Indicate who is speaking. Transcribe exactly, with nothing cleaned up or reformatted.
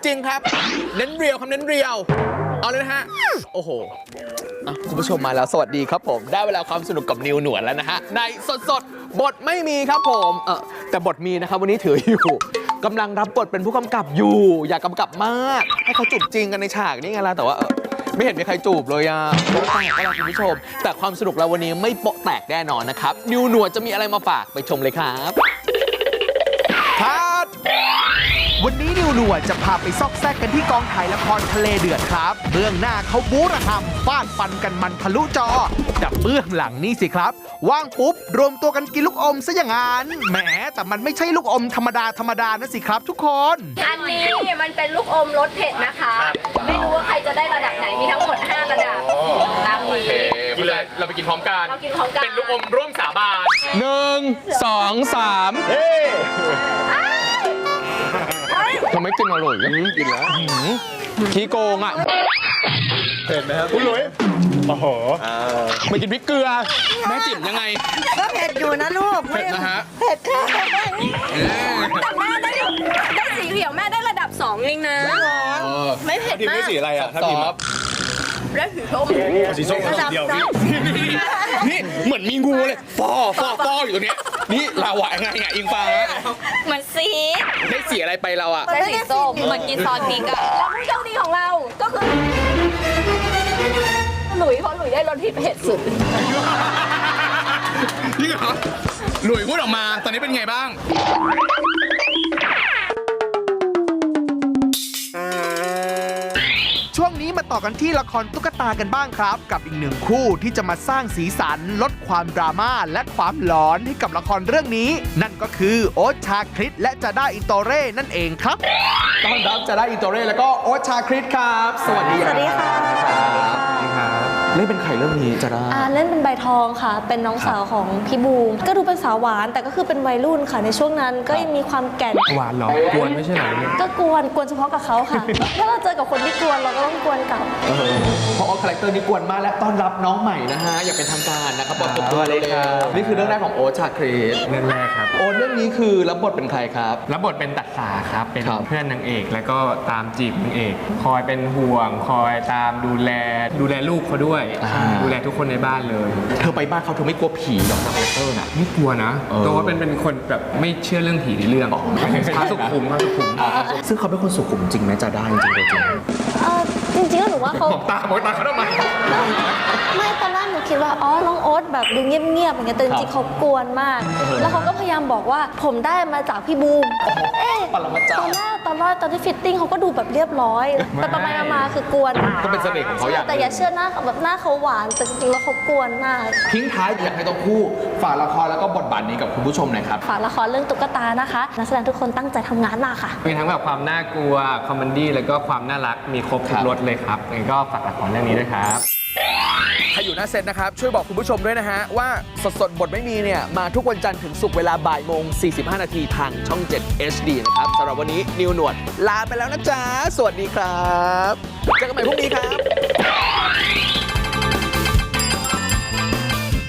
Speaker 1: จริงครับเน้นเรียวคำเน้นเรียวเอาเลยนะฮะโอ้โหคุณผู้ชมมาแล้วสวัสดีครับผมได้เวลาความสนุกกับนิวหนวดแล้วนะฮะในสดสดบทไม่มีครับผมเออแต่บทมีนะครับวันนี้ถืออยู่กำลังรับบทเป็นผู้กำกับอยู่อยากกำกับมากให้เขาจูบจริงกันในฉากนี่ไงล่ะแต่ว่าไม่เห็นมีใครจูบเลยอ่ะโป๊ะแตกก็แล้วคุณผู้ชมแต่ความสนุกเราวันนี้ไม่โป๊ะแตกแน่นอนนะครับนิวหนวดจะมีอะไรมาฝากไปชมเลยครับครับ
Speaker 2: วันนี้นิวหนวดจะพาไปซอกแซกกันที่กองถ่ายละครทะเลเดือดครับเบื้องหน้าเขาบู๊ระหำฟาดฟันกันมันทะลุจอแต่เบื้องหลังนี่สิครับว่างปุ๊บรวมตัวกันกินลูกอมซะอย่างนั้นแหมแต่มันไม่ใช่ลูกอมธรรมดาธรรมดานะสิครับทุกคน
Speaker 3: อันนี้มันเป็นลูกอมรสเผ็ดนะคะไม่รู้ว่าใครจะได้ระดับไหนมีทั้งหมดห้าระดับตามนี้
Speaker 1: กินเลยเราไปกินพร้อมกัน
Speaker 3: เรากินพร้อมกัน
Speaker 1: เป็นลูกอมร่วมสาบานหนึ่งสองสามเฮ้ทำไมกินอร่อยยังกินแล้วขี้โกงอ่ะ
Speaker 4: เผ็ดไหมครับคุณลุยโอ้โห
Speaker 1: ไม่กินพริกเกลือแม่จิ๋มยังไง
Speaker 5: ก็เผ็ดอยู่นะลูก
Speaker 1: เผ็ดนะฮะ
Speaker 5: เผ็ดค่ะ
Speaker 3: แต่แม่ได้ได้สีเขียวแม่ได้ระดับสองเองนะไม่เผ็ดมาก
Speaker 4: ทีมได้สีอะไรอ่ะถ้าทีมครับ
Speaker 3: ได้สีส้ม
Speaker 4: สีส้มเดียว
Speaker 1: นี่เหมือนมีงูเลยฟอฟอฟออยู่ตรงนี้นี่ลาวะไงไงอิงฟ้า
Speaker 3: เหมือนสี
Speaker 1: ได้สีอะไรไปเราอ่ะ
Speaker 3: ได้สีส้มเหมือนกินซอสพริกอะแล้วผู้โชคดีของเราก็คือหลุยเพราะหลุยได้รสเผ็ดสุด
Speaker 1: นี่เหรอหลุยพูดออกมาตอนนี้เป็นไงบ้าง
Speaker 2: ช่วงนี้มาต่อกันที่ละครตุ๊กตากันบ้างครับกับอีกหนึ่งคู่ที่จะมาสร้างสีสันลดความดราม่าและความหลอนให้กับละครเรื่องนี้นั่นก็คือโอ๊ตชาคริสและจาด้าอินโตเร่นั่นเองครับ
Speaker 1: ต้อนรับจาด้าอินโตเร่แล้วก็โอ๊ตชาคริสครับสวัสดี
Speaker 5: สวัสดีค่ะ
Speaker 1: เล่นเป็นใครเรื่องนี้จาด้า
Speaker 6: เล่นเป็นใบทองค่ะเป็นน้องสาวของพี่บูมก็ดูเป็นสาวหวานแต่ก็คือเป็นวัยรุ่นค่ะในช่วงนั้นก็ยังมีความแก่น
Speaker 4: หวานหรอกวนไม่ใช่หรอ
Speaker 6: ก็กวนกวนเฉพาะกับเขาค่ะถ้าเราเจอกับคนที่กวนเราก็ต้องกวนกลับ
Speaker 1: เพราะว่าคาแรคเตอร์นี้กวนมากและต้อนรับน้องใหม่นะฮะอยากเป็นทางการนะครับบอกตัวเลยครับนี่คือเรื่องแรกของโอ๊ตชาคริส
Speaker 4: เรื่องแรกครับ
Speaker 1: โอ๊ตเรื่องนี้คือรับบทเป็นใครครับ
Speaker 4: รับบทเป็นตัดสาครับเป็นเพื่อนนางเอกแล้วก็ตามจีบนางเอกคอยเป็นห่วงคอยตามดูแลดูแลลูกเขาด้วยดูแลทุกคนในบ้านเลย
Speaker 1: เธอไปบ้านเขาเธอไม่กลัวผีหรอกคาแรคเตอร์น่ะ
Speaker 4: ไม่กลัวนะเพราะว่าเป็นเป็นคนแบบไม่เชื่อเรื่องผีในเรื่องพระสุขุมพระสุขุม
Speaker 1: ซึ่งเขาเป็นคนสุขุมจริงไหมจะได้จริงจริง
Speaker 6: จริงๆก็หนูว่าเขา
Speaker 4: ตาบอกตาเขาทำไม
Speaker 6: ไม่ตอนแรกหนูคิดว่าอ๋อน้องโอ๊ตแบบดูเงียบๆอย่างเงี้ยแต่จริงๆเขากวนมากแล้วเขาก็พยายามบอกว่าผมได้มาจากพี่บูมเอ๊ะตอนแรกตอนแรกตอนที่ฟิตติ้งเขาก็ดูแบบเรียบร้อยแต่ประมาณมาคือกวน
Speaker 1: ก็เป็นเสน่ห์ของเขาอย่าง
Speaker 6: แต่อย่าเชื่อหน้าแบบหน้าเขาหวานแต่จริงๆแล้วเขากวนมาก
Speaker 1: ทิ้งท้ายอยากให้ต้องคู่ฝากละครแล้วก็บทบาทนี้กับคุณผู้ชมหน่อยครับ
Speaker 6: ฝากละครเรื่องตุ๊กตานะคะนักแสดงทุกคนตั้งใจทำงานมากค่ะ
Speaker 4: มีทั้งแบบความน่ากลัวคอมเมดี้แล้วก็ความน่ารักมีครบทุกรสเลยครับงั้นก็ฝากละครเรื่องนี้ด้วยครับ
Speaker 1: ใครอยู่หน้าเซตนะครับช่วยบอกคุณผู้ชมด้วยนะฮะว่าสดสดบทไม่มีเนี่ยมาทุกวันจันทร์ถึงศุกร์เวลาบ่ายโมงสี่สิบห้านาทีทางช่องเจ็ด เอช ดี นะครับสำหรับวันนี้นิวหนวดลาไปแล้วนะจ๊ะสวัสดีครับเจอกันใหม่พรุ่งนี้ครับ